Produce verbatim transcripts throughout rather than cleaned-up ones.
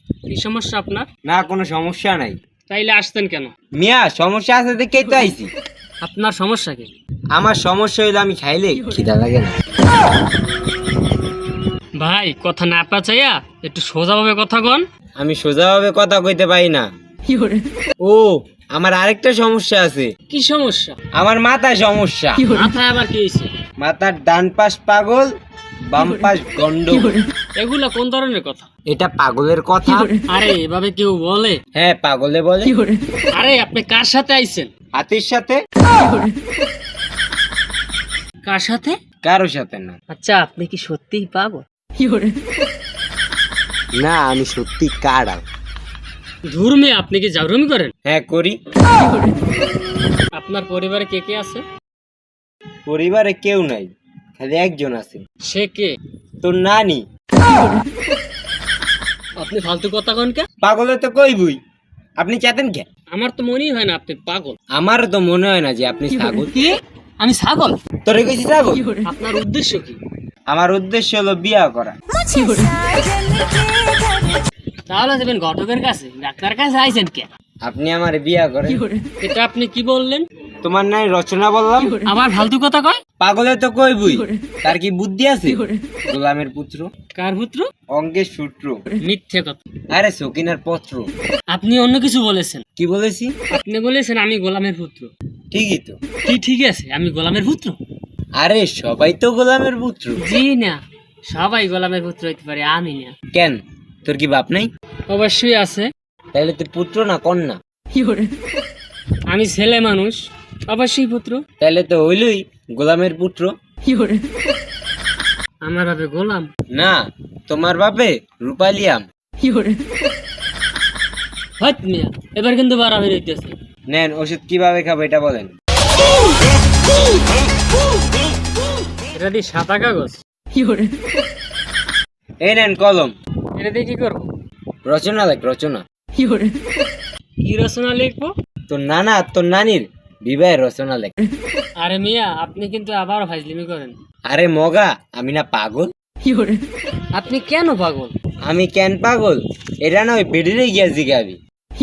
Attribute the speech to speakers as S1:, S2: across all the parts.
S1: কি সমস্যা আপনার?
S2: না, কোনো সমস্যা নাই।
S1: তাইলে আসতেন কেন?
S2: মিয়া, সমস্যা আছে দেখেই তো আইছি।
S1: আপনার সমস্যা কি?
S2: আমার সমস্যা হইলো আমি খাইলে খিদা লাগে না।
S1: ভাই কথা না পাচাইয়া একটু সোজাভাবে কথা কন।
S2: আমি সোজাভাবে কথা কইতে পারি না। ও, আমার আরেকটা সমস্যা আছে।
S1: কি সমস্যা?
S2: আমার মাথায় সমস্যা।
S1: মাথায় আবার কি হয়েছে?
S2: মাথার ডান পাশ পাগল, বাম পাশ গন্ড।
S1: এগুলা কোন ধরনের কথা?
S2: এটা পাগলের কথা।
S1: আরে এভাবে কেউ বলে?
S2: হ্যাঁ, পাগলে বলে।
S1: আরে আপনি কার সাথে আইছেন?
S2: হাতির সাথে।
S1: কার সাথে?
S2: কারোর সাথে না।
S1: আচ্ছা, আপনি কি সত্যিই পাগল?
S2: না, আমি সত্যি কাড়া।
S1: ধুরমে, আপনি কি জাউরুমি করেন?
S2: হ্যাঁ, করি।
S1: আপনার পরিবারে কে কে আছে?
S2: পরিবারে কেউ নাই, খালি একজন আছে।
S1: সে কে?
S2: তোর নানি।
S1: আপনি ফালতু কথা কন কে?
S2: পাগলে তো কইবই। আপনি চাতেন কে?
S1: আমার তো মনেই হয় না আপনি পাগল।
S2: আমারও তো মনে হয় না যে আপনি ছাগল।
S1: কি? আমি ছাগল?
S2: তোরে কইছি ছাগল?
S1: আপনার উদ্দেশ্য কি?
S2: আমার উদ্দেশ্য হলো বিয়া করা।
S1: তাহলে যাবেন ঘটকের কাছে, ডাক্তার কাছে আইছেন কে?
S2: আপনি আমার বিয়া করেন।
S1: এটা আপনি কি বললেন?
S2: তোমার নাই রচনা বললাম।
S1: আবার ফালতু কথা কয়?
S2: পাগলে তো কইবই। তার কি বুদ্ধি আছে? গোলামের পুত্র।
S1: কার পুত্র?
S2: অঙ্গের সূত্র।
S1: মিথ্যে কথা।
S2: আরে সকিনার পত্র।
S1: আপনি অন্য কিছু বলেছেন।
S2: কি বলেছি?
S1: আপনি বলেছেন আমি গোলামের পুত্র।
S2: ঠিকই তো।
S1: কি ঠিক আছে? আমি গোলামের পুত্র?
S2: আরে সবাই তো গোলামের পুত্র।
S1: জি না, সবাই গোলামের পুত্র হইতে পারে, আমি না।
S2: কেন, তোর কি বাপ নাই?
S1: অবশ্যই আছে।
S2: তাহলে তুই পুত্র না কন্যা?
S1: আমি ছেলে মানুষ, অবশ্যই পুত্র।
S2: তাহলে তো হইলই গোলামের পুত্র।
S1: আমার বাপে গোলাম?
S2: না, তোমার বাপে রূপালিয়াম।
S1: হট মিয়া, এবার কিন্তু বাড়াবাড়ি হইতেছে।
S2: নেন, ওষুধ কিভাবে খাবো এটা বলেন।
S1: এটা দিয়ে সাদা কাগজ।
S2: এই নেন কলম।
S1: এটা দিয়ে কি করবো?
S2: রচনা লেখ, রচনা।
S1: কি রচনা লিখবো?
S2: তোর নানা আর তোর নানির বিবাহের রচনা লেখ।
S1: আরে মিয়া, আপনি কিন্তু আবার ফাজলিমি করেন।
S2: আরে মগা, আমি না পাগল?
S1: আপনি কেন পাগল?
S2: আমি কেন পাগল এটা না ওই বেডিরে গিয়া জিগাবি।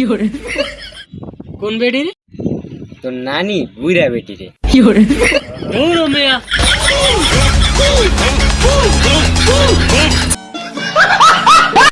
S1: কোন বেডি রে?
S2: তোর নানি বুইরা বেটিরে।
S1: দৌড়ো মিয়া।